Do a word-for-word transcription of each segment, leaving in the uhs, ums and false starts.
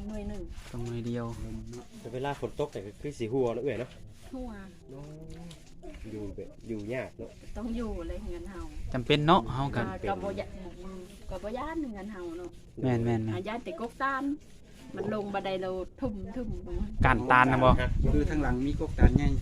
หน่วยหนึ่งต้องหน่วยเดียวแต่เวลาฝนตกแต่ก็คือสีหัวแล้วเอ้ยเนาะหัวอยู่แบบอยู่ยากเนาะต้องอยู่เลยเงินเฮาจำเป็นเนาะเฮากันกับบ่ยะกับบ่ย่านเงินเฮาเนาะแม่นแม่นหาย่านแต่กกตานมันลงบันไดเราทุ่มทุ่มการตานนะบ่คือทางหลังมีกกตานใหญ่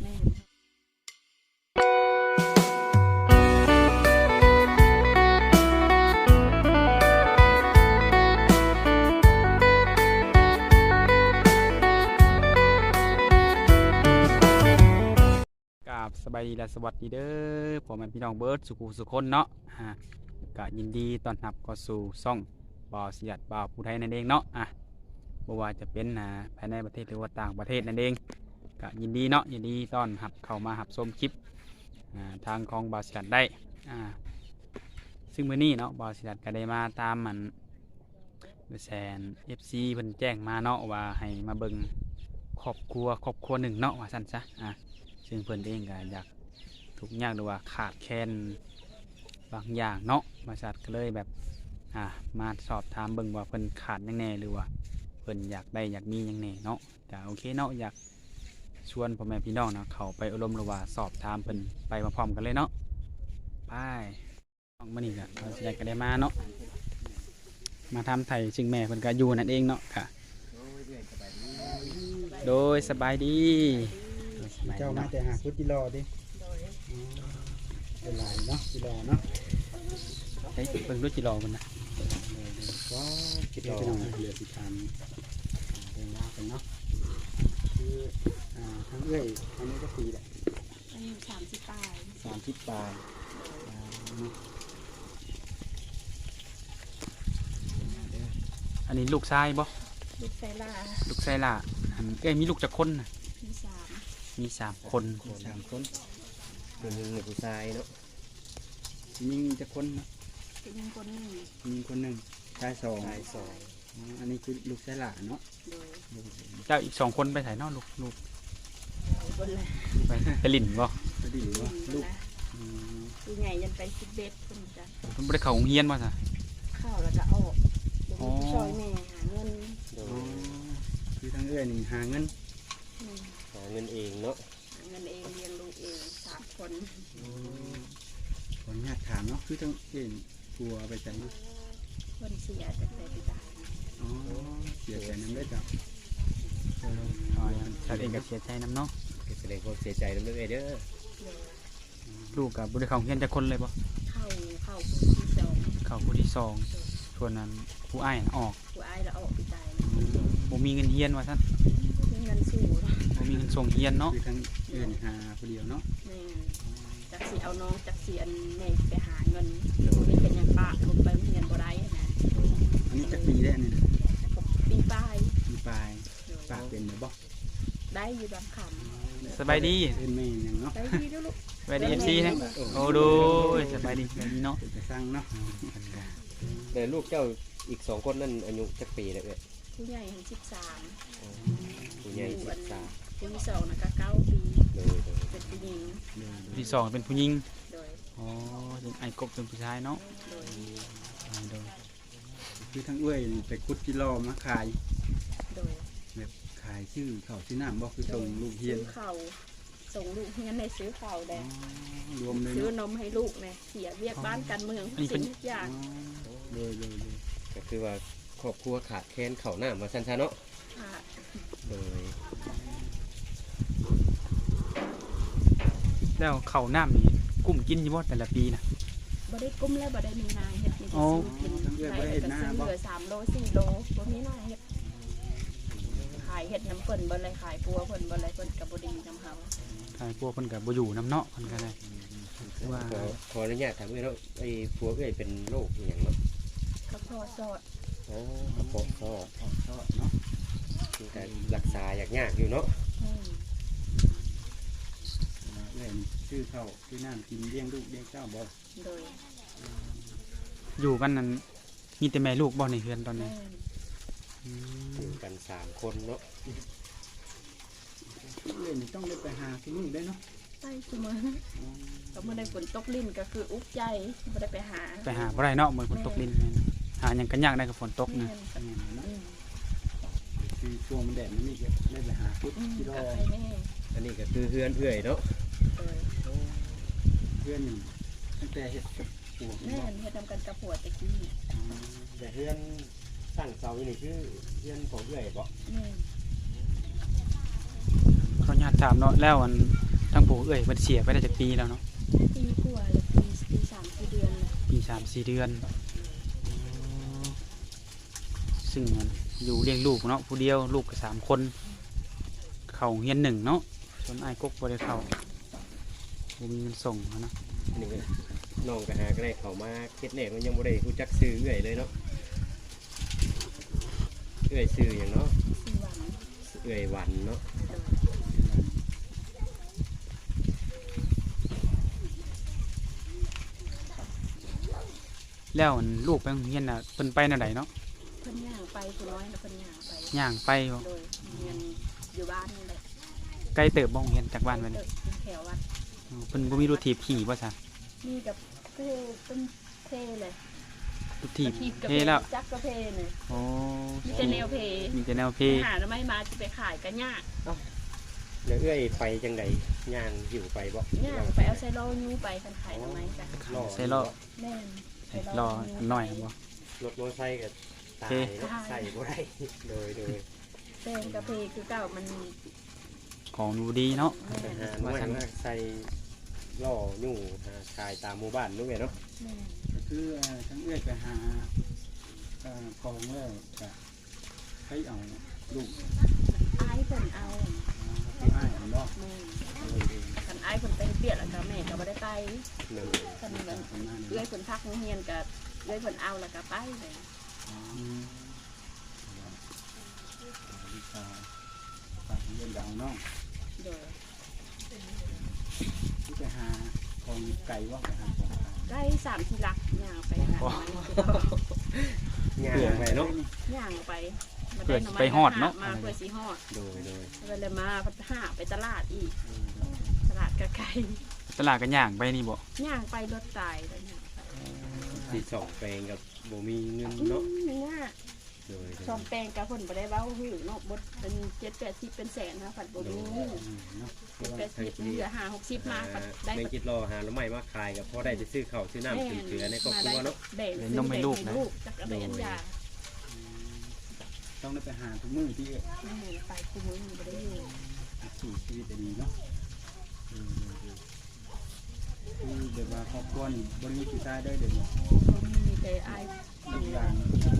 สบายดีและสวัสดีเด้อผมเป็นพี่น้องเบิร์ดสุขุสุคนเนาะฮะก็ยินดีต้อนรับเข้าสู่ช่องบ่าวสิยัดบ่าวผู้ไทยนั่นเองเนาะอ่ะบ่ว่าจะเป็นนะภายในประเทศหรือว่าต่างประเทศนั่นเองก็ยินดีเนาะยินดีต้อนรับเข้ามารับชมคลิปทางของบ่าวสิยัดได้อ่าซึ่งมื้อนี้เนาะบ่าวสิยัดก็ได้มาตามมันแสน เอฟ ซี เพิ่นแจ้งมาเนาะว่าให้มาเบิ่งครอบครัวครอบครัวหนึ่งเนาะว่าซั่นซะอ่ะซึ่งเพิ่นเองก็อยากทุกอย่างหรือว่าขาดแคลนบางอย่างเนาะบริษัทก็เลยแบบอ่ามาสอบถามเบิ่งว่าเพิ่นขาดยังไงหรือว่าเพิ่นอยากได้อยากมียังไงเนาะก็โอเคเนาะอยากชวนพ่อแม่พี่น้องเนาะเข้าไปอบรมหรือว่าสอบถามเพิ่นไปพร้อมๆกันเลยเนาะไปน้องมื้อนี้ก็เราสิได้ก็ได้มาเนาะมาทำไทยซึ่งแม่เพิ่นก็อยู่นั่นเองเนาะค่ะโดยสบายดีเจ้ามาแต่หาพุทธิรอดิเป็นลายเนาะจิรอเนาะเฮ้ยเพิ่งรู้จิรอมันนะก็จิรอเหลือสิทานเรื่องราวกันเนาะคือทั้งเอ้ยอันนี้ก็ปีแหละอายุสามสิบปลายสามสิบปลายอันนี้ลูกชายบ่ลูกไซล่าลูกไซล่าอันเอ้ยมีลูกจักคนน่ะมีสามมีสามคนสามคนผู้หญิงหรือผู้ชายเนาะยิงจะคนนะยิงคนหนึ่งยิงคนหนึ่งชายสองชายสองอันนี้คือลูกชายหล่าเนาะเจ้าอีกสองคนไปถ่ายนอกลูกลูกคนเลยไปไปลิ่นบ่ไปลิ่นบ่ลูกลูกใหญ่ยันไปสิบเบ็ดคนจ้ะเพิ่นบ่ได้เข้าโรงเรียนบ่ซะเข้าแล้วก็ออกอ๋อช่วยแม่หาเงินคือทั้งเอื้อนี่หาเงินหาเงินเองเนาะหาเงินเองเลี้ยงลูกเองสามคนคนญาติถามเนาะคือทั้งเองกลัวไปใจเนาะคนเสียจากแต่ปีตายอ๋อเสียใจน้ำได้จ้ะอ๋อชาติเองก็เสียใจน้ำเนาะแสดงความเสียใจน้ำเด้อเด้อลูกกับบุตรเขาเฮียนจะคนเลยปะเข้าเข้าผู้ที่สองเข้าผู้ที่สองส่วนนั้นผู้อ้ายออกผู้อ้ายแล้วออกปีตายบ่มีเงินเฮียนว่าท่านมีเงินสู้บ่มีเงินส่งเฮียนเนาะคือทั้งเอื้อหาคนเดียวเนาะจักสีเอาน้องจักสีอันแม่ไปหาเงินนี่เป็นยังป้าลงไปเรียนบ่ได้นะอันนี้จักปีได้เนี่ยปีปลายปีปลายป้าเป็นหรือบ่ได้อยู่บางคำสบายดีเป็นแม่ยังเนาะได้ดีด้วยลูกสบายดีเอฟซีนะโอ้ดูสบายดีสบายดีเนาะจะสร้างเนาะแต่ลูกเจ้าอีกสองคนนั่นอายุจักปีเลยเอ้ยผู้ใหญ่เห็นสิบสามผู้ใหญ่สิบสามผู้ที่สองนะก็เก้าปีเป็นผู้หญิงผู้ที่สองเป็นผู้หญิงอ๋อไอ้กบเป็นผู้ชายเนาะโดยคือทั้งเอื้อยไปคุดกิโลมาขายโดยแบบขายชื่อเขาชื่อน้ำบอกคือส่งลูกเฮียนซื้อเขาส่งลูกเฮียนในซื้อเขาแดงรวมเลยซื้อนมให้ลูกเนี่ยเสียเรียกบ้านกันเมืองสิ่งทุกอย่างเลยเลยเลยก็คือว่าครอบครัวขาดแคลนเข่าหน้ามาชันชาเนาะโดยแล้วเข่าน้ำนี่กุ้มกินอยู่บ่แต่ละปีนะบ่ได้กุ้มแล้วบ่ได้มีนายเฮ็ดมีแต่ซื้อกินได้ก็ซื้อเหลือสามโลสี่โลบ่มีนายเฮ็ดขายเฮ็ดน้ำเพิ่นบ่เลยขายปัวเพิ่นบ่เลยเพิ่นก็บ่ดีน้ำเฮาขายปัวเพิ่นก็บ่อยู่น้ำเนาะเพิ่นก็ได้ว่าขออนุญาตถามเอ้ยเนาะไอ้ปัวเอ้ยเป็นโรคอีหยังเนาะกระเพาะซอดอ๋อกระเพาะซอดซอดเนาะคือการรักษายากยากอยู่เนาะเรื่องชื่อเข้าชื่อน้ำกินเลี้ยงลูกเลี้ยงเจ้าบ่โดยอยู่กันนั้นมีแต่แม่ลูกบ่ในเฮือนตอนนี้อยู่กันสามคนเนาะเรื่องนี้ต้องได้ไปหาที่นู่นได้เนาะไปเสมอก็เมื่อได้ฝนตกลิ้นก็คืออุ๊บใจไม่ได้ไปหาไปหาบ่ได้เนาะเหมือนฝนตกลิ้นหาอย่างกันยากได้กับฝนตกนะช่วงมันแดดมันนี่ก็ได้ไปหาพุทธอืมที่รอกับใครแน่อันนี้ก็คือเฮือนเอื้อยเนาะเออเพื่อนนี่ตั้งแต่เฮ็ดกับปวกแม่นเฮ็ดนำกันกับผัวตะกี้แต่เฮือนตั้งเสาอยู่นี่คือเฮือนของเอื้อยบ่แม่นขออนุญาตถามเนาะแล้วอันทั้งปู่เอ้ยมันเสียไปได้จากปีแล้วเนาะปีกว่าแล้วปีปีสามสี่เดือนแล้วปีสามสี่เดือนซึ่งมันอยู่เลี้ยงลูกเนาะผู้เดียวลูกก็สามคนเข้าเฮียนหนึ่งเนาะส่วนไอ้ายกกบ่ได้เข้าบ่มีเงินส่งเนาะอันนี้ก็น้องก็หาก็ได้เข้ามาเฮ็ดแหน่มันยังบ่ได้รู้จักชื่อเอื้อยเลยเนาะเอื้อยชื่อหยังเนาะสี่วันเอื้อยหวันเนาะแล้วอันลูกไปโรงเรียนน่ะเพิ่นไปแนวใดเนาะเพิ่นย่างไปผู้น้อยนะเพิ่นย่างไปย่างไปบ่โดยเรียนอยู่บ้านนี่แหละไกลเติบบ่โรงเรียนจากบ้านไปเอนี่อแถววัดอ๋อเพิ่นบ่มีรถถีบขี่บ่ซะนี่กับเพเป็นเพเลยรถถีบกระเทแล้วจักกระเพเนี่ยโอ้มีแต่แนวเพมีแต่แนวเพหาแล้วไม่มาจะไปขายกันยากแล้วเอื้อยไปจังไดย่างหิวไปบ่ยากไปเอาไซโลยูไปกันขายทำไมจ้ะใส่ล้อแม่นใส่ล้ออันน้อยบ่รถมอเตอร์ไซค์ก็ตายเท่เนาะใส่บ่ได้โดยโดยเพลงกระเพคือเก่ามันของดูดีเนาะไปแม่นหาหน่วยมาใส่ล่ออยู่หาขายตามหมู่บ้านนู่นไงเนาะแม่นก็คือเอ่อทั้งเอื้อยไปหาเอ่อกองแล้วก็ไปเอาลูกอายเพิ่นเอาที่อ้ายเอาเนาะแม่นเอาไว้เองกันอายเพิ่นไปเบียดแล้วก็แม่ก็บ่ได้ไปหนึ่งคันตามันมประมาณนี้เอื้อยเนาะเพิ่นพักโรงเรียนก็เอื้อยเพิ่นเอาแล้วก็ไปเลยอ๋อลูกสาวฝากเรียนดาวเนาะโดยที่ไปหาของไก่ว่าไปหาของไก่ใกล้สามที่รักย่างไปหาหน่อไม้คือย่างไปเนาะย่างไปมาเพื่อหน่สิม้ไปฮอดเนาะมาเพื่อสิฮอดโดยโดยก็เลยมาพัฒหาไปตลาดอีก ตลาดกะไก่ตลาดก็ย่างไปนี่บ่ย่างไปรถตายแล้วย่างไปสีสองแปลงกับบ่มีเงินอืเนาะมเนื้อโดยโดชอย มแปลงกับผลบ่ได้เว้าหือเนาะบดเป็นเจ็ดแปดสิบเป็นแสนนะผัดบ่มีอืมเนาะเจ็ดแปดสิบเหลือห้าหกสิบมาผัดได้แม่งคิดรอหาแล้วไม่มาขายกับพ่อได้จะซื้อข้าวซื้อน้ำซื้อเกลือในครอบครัวเนาะแบ่งซื้อแบ่งให้ลูกจักกระเบนยาต้องได้ไปหาทุกมื้อที่แม่ไปคุมือบ่ได้อยู่สู่ชีวิตดีเนาะคือเดี๋ยวว่าครอบครัวนี่บริมีกี่ตายได้เดี๋ยวนี้บ่มีแต่อายลูกหลาน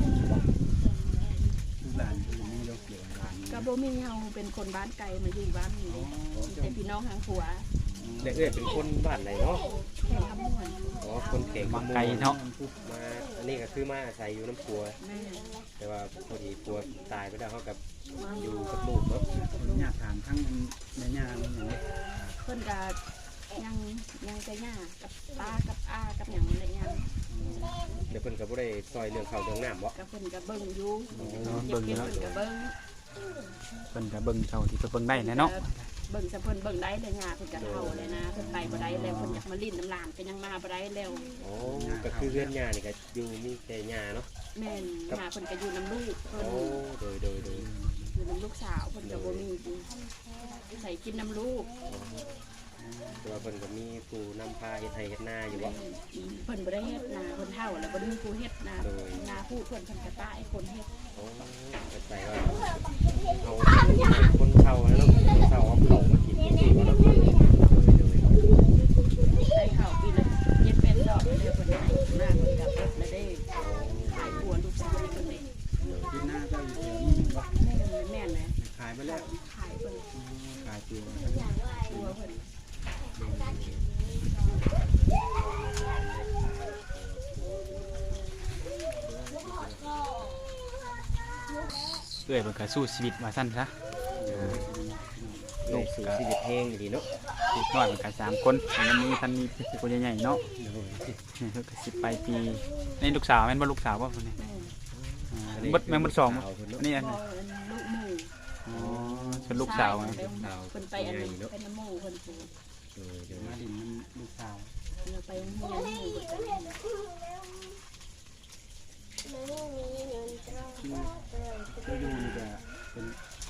ลูกหลานเป็นมีเราเกี่ยวกับหลานก็บ่มีเฮาเป็นคนบ้านไกลมาอยู่บ้านนี้เด้มีแต่พี่น้องทางผัวแต่เอ้ยเป็นคนบ้านไหนเนาะแข่งคำนวณอ๋อคนเก่งมาไกลเนาะมาอันนี้ก็คือมาอาศัยอยู่น้ำปัวแม่แต่ว่าพอดีปัวตายไปแล้วเขากับอยู่กับลูกเนาะคนอยากถามทั้งในญาติอย่างนี้เพิ่นก็ยังยังจะย่ากับป้ากับอากับหยังอะไรยังเดี๋ยวเพิ่นก็บ่ได้ซอยเรื่องข้าวเรื่องน้ำบ่กับเพิ่นก็เบิ่งอยู่เบิ่งอยู่เพิ่เนาะนก็เบิ่งเพิ่นก็เบิ่งเท่าที่เพิ่นเบิ่งได้แหละเนาะเบิ่งซะเพิ่นเบิ่งได้เลยย่าเพิ่นก็เฒ่าเลยนะเพิ่นไปบ่ได้แล้วเพิ่นอยากมาลิ้นน้ำลานก็ยังมาบ่ได้แล้วอ๋อก็คือเรือนหญ้านี่ก็อยู่มีแต่หญ้าเนาะแม่นย่าเพิ่นก็อยู่น้ำลูกเพิ่นโอ้โดยโดยโดยอยู่น้ำลูกสาวเพิ่นก็บ่มีใส่กินน้ำลูกแต่ว่าเพิ่นก็มีผู้นำพาเฮ็ดไร่เฮ็ดนาอยู่บ่เพิ่นบ่ได้เฮ็ดนาเพิ่นเฒ่าแล้วบ่ได้มีผู้เฮ็ดนาโดยนาผู้เพิ่นเพิ่นก็ตายคนเฮ็ดโอ้เข้าใจว่าเอาคนเฒ่าแล้วเนาะคนเฒ่าเอาข้าวมากินจริงๆเนาะโดยโดยได้ข้าวปีละเจ็ดแปดดอกเดี๋ยวเพิ่นให้นาเพิ่นก็เฮ็ดแล้วได้ขายผัวลูกสาวเพิ่นเลยที่หน้าเจ้าอยู่แถวนี้ว่าแม่นแม่นนะขายไปแล้วขายเพิ่นขายตัวตัวเพิ่นเอ้ยเพิ่นก็สู้ชีวิตว่าซั่นซะลูกสู่ชีวิตแห้งดีเนาะเด็กน้อยเพิ่นก็สามคนมันมีทันมีคนใหญ่ๆเนาะโดยเพิ่นก็สิไปปีนี่ลูกสาวแม่นบ่ลูกสาวบ่เพิ่นนี่แม่นอ่าเบิดแม่นเบิดสองบ่เพิ่นอัเนาะนนี้อันพ่นี้อลูกหมู่อ๋อเป็นลูกสาวนะเพิ่นไปอันนี้เป็นน้ำหมู่เพิ่นปลูกโดยโดยมาดินมันลูกสาวเพิ่นไปโรงเรียนหมู่เพิ่นไปคือคืออยู่นี่ก็เป็น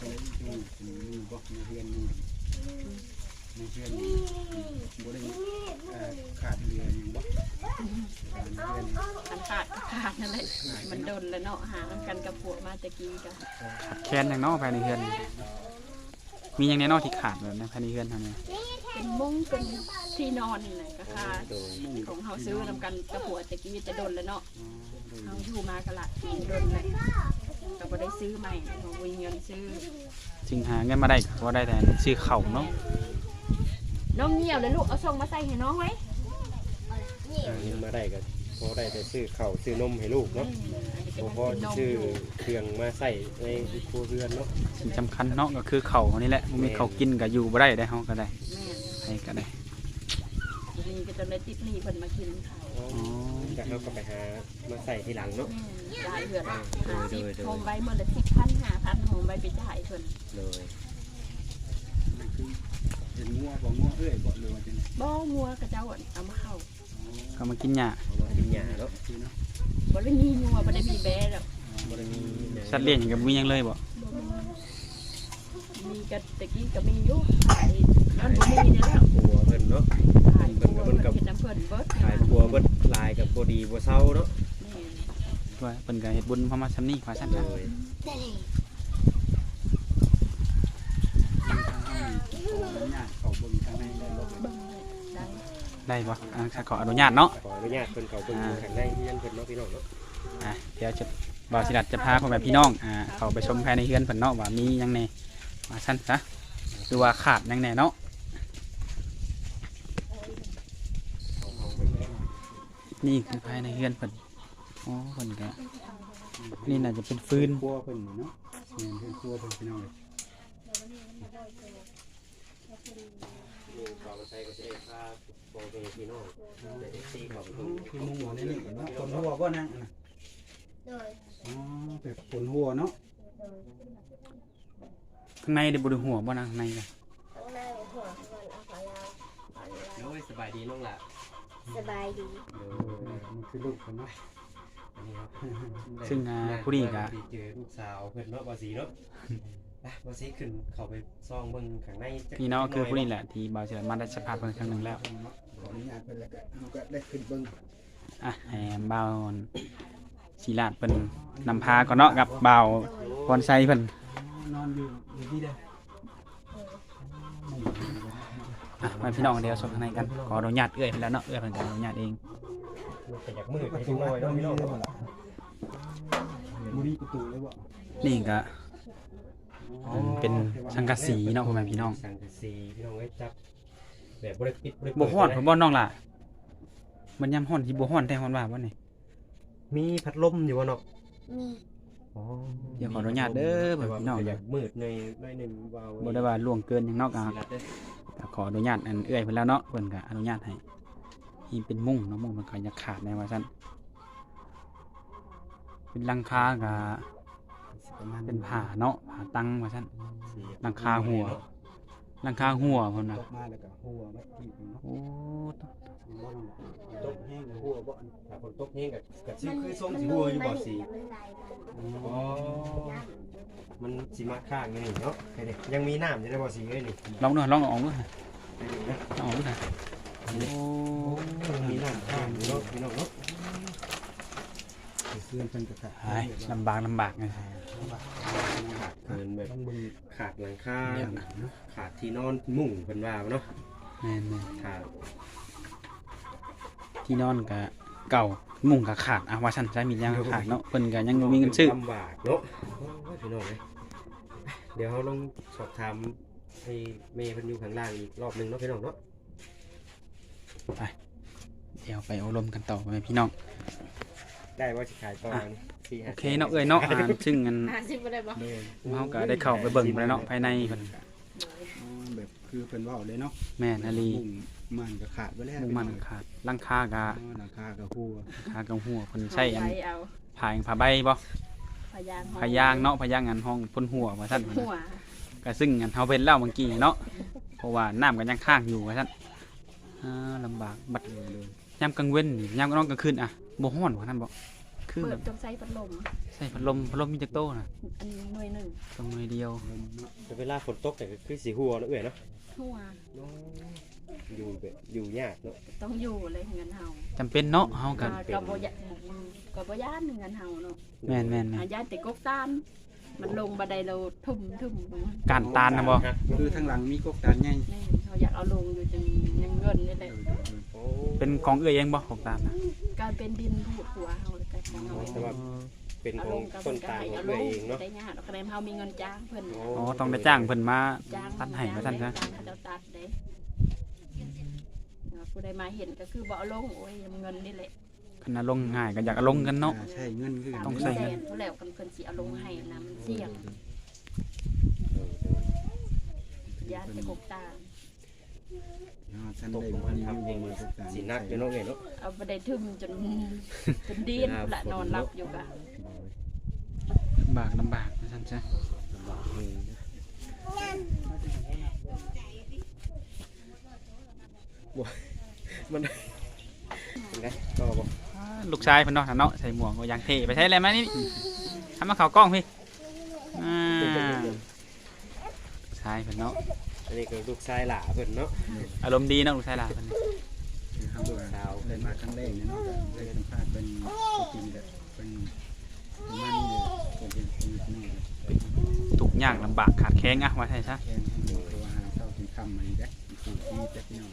เลยมันโดนแล้วเนาะหากันกับผัวมาตะกี้ก็ขาดแคลนอย่างเนาะภายในเฮือนมีอย่างแน่นอนที่ขาดแบบในภายในเฮือนทำไงเป็นมุ้งเป็นที่นอนนี่แหละก็ค่ะของเฮาซื้อนำกันกับผัวตะกี้จะโดนแล้วเนาะเฮาอยู่มากันละโดนเลยก็บ่ได้ซื้อใหม่บ่มีเงินซื้อจึงหาเงินมาได้ก็ได้แต่ซื้อเข่าวเนาะน้องเหี่ยวเลยลูกเอาส่งมาใส่ให้น้องไว้หาเงินมาได้ก็พอได้แต่ซื้อข้าวซื้อนมให้ลูกเนาะพอพอซื้อเครื่องมาใส่ในครัวเรือนเนาะสิ่งสำคัญเนาะก็คือเข่าวนี่แหละบ่มีเข่าวกินก็อยู่บ่ได้ได้เฮาก็ได้แม่ให้ก็ได้นี่ก็จะได้ติดหนี้เพิ่นมากินข้าวอ๋อจากเราก็ไปหามาใส่ทีหลังเนาะหลายเดือนละห้าสิบโฮมไว้เมื่อละสิบพันห้าพันโฮมไว้ไปจ่ายเพิ่นเลยเห็นงัวบ่งัวเอ้ยบ่เลยว่าจังได๋บ่งัวกระเจ้าเอามาเข้าก็มากินหญ้าเอามากินหญ้าเนาะคือเนาะบ่ได้มีงัวบ่ได้มีแบะหรอกบ่ได้มีหยังสัตว์เลี้ยงหยังก็บ่มีหยังเลยบ่บ่มีมีกะตะกี้ก็มีอยู่ขายย้อนบ่มีเนี่ยแล้วครัวเพิ่นเนาะขายเพิ่นกับเพิ่นเฮ็ดน้ำเพิ่นเบิดขายครัวเบิดลายกับบ่ดีบ่เซาเนาะนี่ว่าเพิ่นก็เฮ็ดบุญพอมาซำนี้ว่าซั่นเลนะยญาติเขาเบิ่งข้างในได้บ่เบิ่งได้ได้บ่อ่าขออนุญาตเนาะขออนุญาตเพิ่นเข้าเบิ่งข้างในเรือนเพิ่นเนาะพี่น้องเนาะอ่ะเดี๋ยวจะบ่าวสิรัตจะพาพ่อแม่พี่น้องอ่าเข้าไปชมภายในเฮือนเพิ่นเนาะว่ามีหยังแหน่ว่าซั่นซะหรือว่าขาดหยังแหน่เนาะนี่คือภายในเฮือนเพิ่นอ๋อเพิ่นก็นี่น่าจะเป็นฟืนครัวเพิ่นนี่เนาะแม่นเพิ่นครัวเพิ่นพี่น้องเอ้ยนี่ขอมาใส่ก็สิได้พาพ่อแม่พี่น้องได้ซีเข้าไปเบิ่งคือมุงหัวนี่นี่เนาะคนหัวบ่นั่งอันน่ะโดยอ๋อแบบคนหัวเนาะข้างในได้บ่ได้หัวบ่นะข้างในน่ะข้างในหัวมันเอาของเราของเราโอ้ยสบายดีน้องล่ะสบายดีเอมันคือลูกเพิ่นเนาะอันนี้ครับซึ่งอ่าผู้นี้ก็ดีเจอลูกสาวเพิ่นเนาะบ่สีเนาะไปบ่สีขึ้นเข้าไปซ่องเบิ่งข้างในจักพี่น้องคือผู้นี้แหละที่บ่าวสิรัตมาได้สัมภาษณ์เพิ่นครั้งหนึงแล้วขออนุญาตเพิ่นแล้วก็เฮาก็ได้ขึ้นเบิ่งอ่ะให้บ่าวศิลาดเพิ่นนำพาก่อนเนาะกับบ่าวพรไซเพิ่นนอนอยู่อยู่ที่ใดอ่ะมาพี่น้องเดี๋ยวชมข้างในกันขออนุญาตเอื้อยเพิ่นแล้วเนาะเอื้อยเพิ่นก็อนุญาตเองมันก็อยากมืดไปจังน้อยเนาะพี่น้องบ่ล่ะบ่มีประตูเลยบ่นี่ก็อันเป็นสังกะสีเนาะพ่อแม่พี่น้องสังกะสีพี่น้องเอ้ยจับแบบบ่ได้ปิดบ่ได้บ่เปิดฮ้อนเลยผมบ่น้องล่ะมันยามฮ้อนสิบ่ฮ้อนแต่ฮ้อนว่าบ่นี่มีพัดลมอยู่บ่เนาะมีอ๋อเดี๋ยวขออนุญาตเด้อแต่ว่าพี่น้องมันก็อยากมืดในในหนึงว่าบ่ได้ว่าล่วงเกินหยังเนาะก็สีรัดเด้อก็ขออนุญาตอันเอื้อยเพิ่นแล้วเนาะเพิ่นก็อนุญาตให้นี่เป็นมุ้งเนาะมุ้งมันก็อย่าขาดแน่ว่าซั่นเป็นหลังคาก็ประมาณเป็นผ้าเนาะผ้าตังว่าซั่นสีหลังคาหัว หลังคาหัวเพิ่นน่ะตกมาแล้วก็หัวไว้ที่เนาะโอ้บ่นตกแห้งหัวบ่ถ้าฝนตกแห้งก็ก็สิคือทรงสีหัวอยู่บ่สีมันไหลมันอ๋อมันสิมาข้างอยู่นี่เนาะไอ้นี่ยังมีน้ำอยู่ได้บ่สีเอ้ยนี่ลองดูลองออกดูค่ะลองออกดูค่ะโอ้ยังมีน้ำข้างอยู่เนาะพี่น้องเนาะเสื้อเพิ่นก็ขาดหายลำบากลำบากไงเกินแบบต้องเบิ่งขาดหลังคาขาดที่นอนมุ้งเพิ่นว่าเนาะแม่นขาดๆที่นอนก็เก่ามุ้งก็ขาดอ่ะว่าซั่นใช้มียังขาดเนาะเพิ่นก็ยังบ่มีเงินซื้อลำบากเนาะโอ้ยพี่น้องเอ้ยเดี๋ยวเราลองสอบถามให้แม่เพิ่นอยู่ข้างล่างอีกรอบหนึงเนาะพี่น้องเนาะเดี๋ยวไปอบรมกันต่อไปพี่น้องได้ว่าสิขายต่อนี่สี่โอห้าเคเนาะเอ้ยเนาะอ่าซึ่งอันห้าสิบบ่ได้บ่เฮาก็ได้เข้าไปเบิ่งไปแล้วเนาะภายในเพิ่นอ๋อแบบคือเพิ่นเว้าเลยเนาะแม่นอลีมุ้งมันก็ขาดไปแล้วมุ้งมันขาดหลังคาก็อ๋อหลังคาก็หัวคากับหัวเพิ่นใช้อันไว้เอาผ้าผ้าใบบ่พยางผ้ายางเนาะผ้ายางอันห้องพ่นหัวว่าซั่นเพิ่นหัวน่ะก็ซึ่งอันเฮาเป็นแล้วเมื่อกี้เนาะเพราะว่าน้ำก็ยังค้างอยู่ว่าซั่นอ่าลำบากบัดยามกลางเว้นนี่ยามกลางกลางคืนอ่ะบ่ฮ้อนว่านั้นบ่คือเปิแบดบจงใส่พัดลมใส่พัดลมพัดลมมีจักโตน่ะอันหน่วยหนึ่งต้องหน่วยเดียวแต่เวลาฝนตกแต่ก็คือสีหัวเนาะเอ้ยเนาะหัวมอยู่แบบอยู่ยากเนาะต้องอยู่เลยเงินเฮาจำเป็นเนาะเฮากันก็บ่ยะก็บ่ย่านเงินเฮาเนาะแม่นแม่นอาญาติกกตานมันลงบันไดเราทุ่มทุ่มลงมาการตานนะบ่คือทางหลังมีกกตานใหญ่แม่เขาอยากเอาลงอยู่จังยังเงินนี่แหละโอ้เป็นของเอื้อยเองบ่ของตานนะการเป็นดินผูดหัวเฮาเลยก็ของเฮาแต่ว่าเป็นเอาขลองงกับต้นก็ตาลให้ของเอาลเอื้อยงเองเนาะได้ยากดอกกระเดมเฮามีเงินจ้างเพิ่นอ๋อต้องได้จ้างเพิ่นมาจ้างตัดให้ว่าซั่นซะจ้างเขาเจ้าตัดเด้ผู้ใดมาเห็นก็คือบ่เอาลงโอ้ยเงินนี่แหละคันน่ะลงง่ายก็อยากเอาลงกันเนาะอ่าใช่เงินคือกันต้องใส่เงินแสเขาแล้วกันเพิ่นสิเอาลงให้นะมันเสี่ยงญาติกกตานอ๋อท่านได้บ่มีเงินกกตานสินักอยู่เนาะเอ้ยเนาะเอาบันไดทึมจนจนดีนละนอนหลับอยู่กะลำบากลำบากว่าซั่นซะลำบากมือนะบ่มันเป็นไงก็บ่อ่าลูกชายเพิ่นเนาะเนาะใส่หมวกก็ยังเท่ไปใช้อะไรมานี่ทำมาเข้ากล้องพี่อ่าลูกชายเพิ่นเนาะอันนี้ก็ลูกชายหล่าเพิ่นเนาะอารมณ์ดีเนาะลูกชายหลานเพิ่นนี่คือเฮาว่าได้มาครั้งแรกเนี่ยเนาะได้สัมภาษณ์เป็นจริงๆแบบเป็นประมาณนี้เลยเป็นเป็นเป็นนี่ทุกข์ยากลำบากขาดแคลนอะว่าใช่ซะแค่ให้ดูตัวหาเช้าถึงค่ำมานี่เด้อปลูกที่เจ็บหน่อย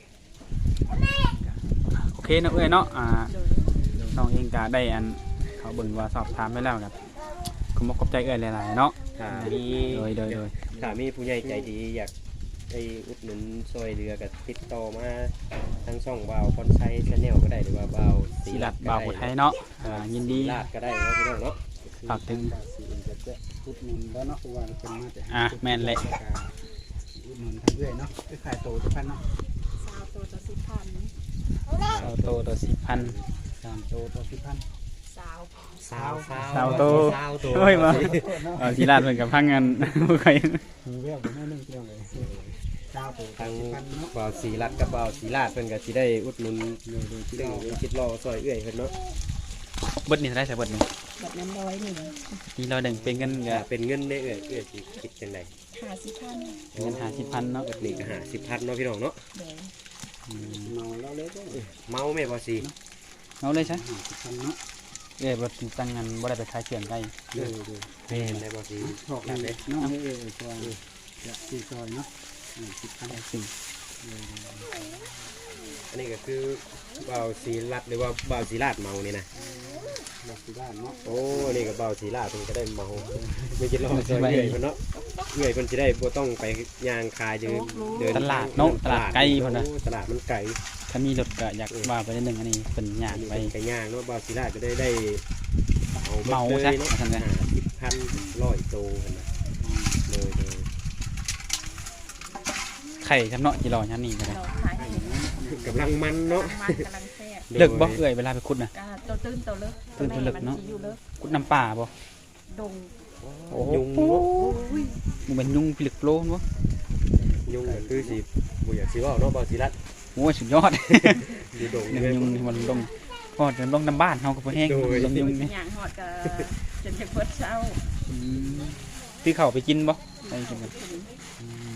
โอเคเนาะเอ้ยเนาะอ่าโดยน้องเองก็ได้อันเขาเบิ่งว่าสอบถามไปแล้วครับขอบคุณขอบใจเอ้ยหลายๆเนาะถ้ามีโดยโดยโดยถ้ามีผู้ใหญ่ใจดีอยากไปอุดหนุนซอยเรือก็ติดต่อมาทางช่องบ่าวคอนไซชาแนลก็ได้หรือว่าบ่าวศิลัดบ่าวผู้ไทยเนาะอ่ายินดีลาดก็ได้เนาะพี่น้องเนาะฝากถึงสีจะจะพุดหนุนแล้วเนาะเพราะว่าเป็นมาแต่อ่ะแม่นเลยอุดหนุนทั้งเรื่อยเนาะคือขายโตทุกพันเนาะสาวตัวต่อสิบพันเอาโตตัวสิบพันสามโตต่อสิบพันสาวสาวสาวโตสาวโตเฮ้ยมาเอาศิลาดเพิ่นกับพังงาน บ่เคยมีแววไปแม่นึงเที่ยวเลยเก้าโตต่อทางสิบพันเนาะบ่าวศรีรัตน์กับบ่าวศรีลาดเพิ่นก็สิได้อุดหนุนเดี๋ยวดูที่ซึ่งเราคิดรอซอยเอื้อยเพิ่นเนาะเบิดนี่เท่าได้ใส่เบิดนี่แบบนั้นร้อยหนึ่งนี่เราแบ่งเป็นกันก็ถ้าเป็นเงินได้เอื้อยเอื้อยสิคิดจังได๋ห้าสิบพันเงินห้าสิบพันเนาะเบิดนี่ก็ห้าสิบพันเนาะพี่น้องเนาะเดี๋ยวเมาแล้วเลยก็เมาแม่บ่สิเอาเลยซะห้าสิบพันเนาะเอ้ยบ่ตั้งงานบ่ได้ไปขายเสียงไกลเดี๋ยวดูแม่นได้บ่สิชอบเลยน้องเอ้ยซอยจะสี่ซอยเนาะสิบพันสิ่งอันนี้ก็คือบ่าวศรีรัตน์หรือว่าบ่าวศรีลาดเมานี่นะเราสิบ้านเนาะโอ้นี่ก็บ่าวศรีลาดเพิ่นก็ได้เมาไม่คิดรอซอยเอื้อยเพิ่นเนาะเอื้อยเพิ่นสิได้บ่ต้องไปย่างคายอยู่เดินตลาดเนาะตลาดไกลพุ่นน่ะโอ้ตลาดมันไกลถ้ามีรถก็อยากว่าไปนิดนึงอันนี้เป็นย่างอันนี้ไปเป็นไก่ย่างเนาะบ่าวศิลาก็ได้ได้เอาเมาเลยซะเนาะว่าซั่นซะห้าสิบพันร้อยโตกันนะเลยเลยไข่ครับเนาะจิรอยันนี่ก็ได้เราขายให้กำลังมันเนาะมันกำลังแซ่บเลิกบ่เอ้ยเวลาไปขุดน่ะก็ตัวตื้นตัวเลิกตื้นตัวเลิกเนาะมัอยู่เลิกขุดน้ำป่าบ่ดงโอ้โหยุงเนาะมันเป็นยุงพิลึกโลนบ่ยุงก็คือสิบ่อยากสิเว่าเนาะบ่าวศิลาโอ้ยสุดยอดอยู่ดงหนึ่งเลยยุงนี่มันลงพอจะลงน้ำบ้านเฮาก็บ่แห้งโดยลงยุงนี่อย่างหอดก็จนจะเพิดเช้าอืมซื้อข้าวไปกินบ่ไปกินกันอืม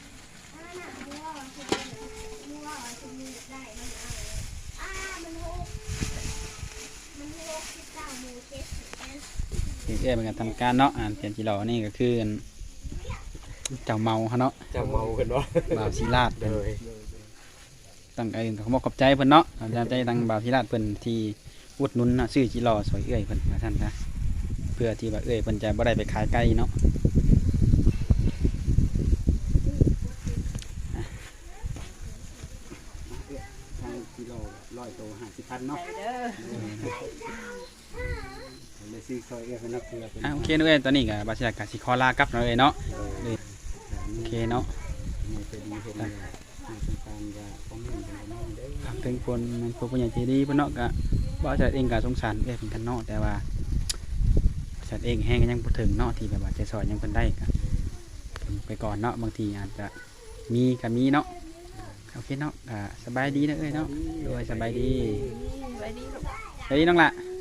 เอ้ยเป็นการทำการเนาะอ่านเปลี่ยนจิรอนี่ก็คืออันเจ้าเมาเขาเนาะเจะเมากันเนาะบ่าวศิลาดเลเพิ่นยตั้งใจขอบอกขอบใจเพิ่นเนาะขอบใจทางบ่าวศิลาดเพิ่นที่อุดหนุนเนาะซื้อจิรอสวยเอ้ยเพิ่นว่าซั่นซะเพื่อที่ว่าเอ้ยเพิ่นจะบ่ได้ไปขายไกลเนาะทางกิโลร้อยโตห้าสิบพันเนาะไปเด้อเลยซื้อซอยเอ้ยเป็นนักเรือเป็นอ่ะโอเคเนาะเอ้ยตอนนี้ก็บ่าวศิลาดก็สิขอลากลับเนาะเอ้ยเนาะโอเคเนาะในเป็นดีเห็นเลยทางสงการจะฟ้องเงินเป็นประมาณเด้อฝากถึงคนมันผู้ใหญ่ใจดีเพิ่นเนาะก็บ่าวศิลาดเองก็สงสารเอ้ยเพิ่นกันเนาะแต่ว่าบ่าวศิลาดเองแฮงก็ยังบ่ถึงเนาะที่แบบว่าจะสอนยังเพิ่นได้ก็เพิ่นไปก่อนเนาะบางทีอาจจะมีก็มีเนาะโอเคเนาะก็สบายดีนะเอ้ยเนาะโดยสบายดีไปดีลูกสบายดีน้องละ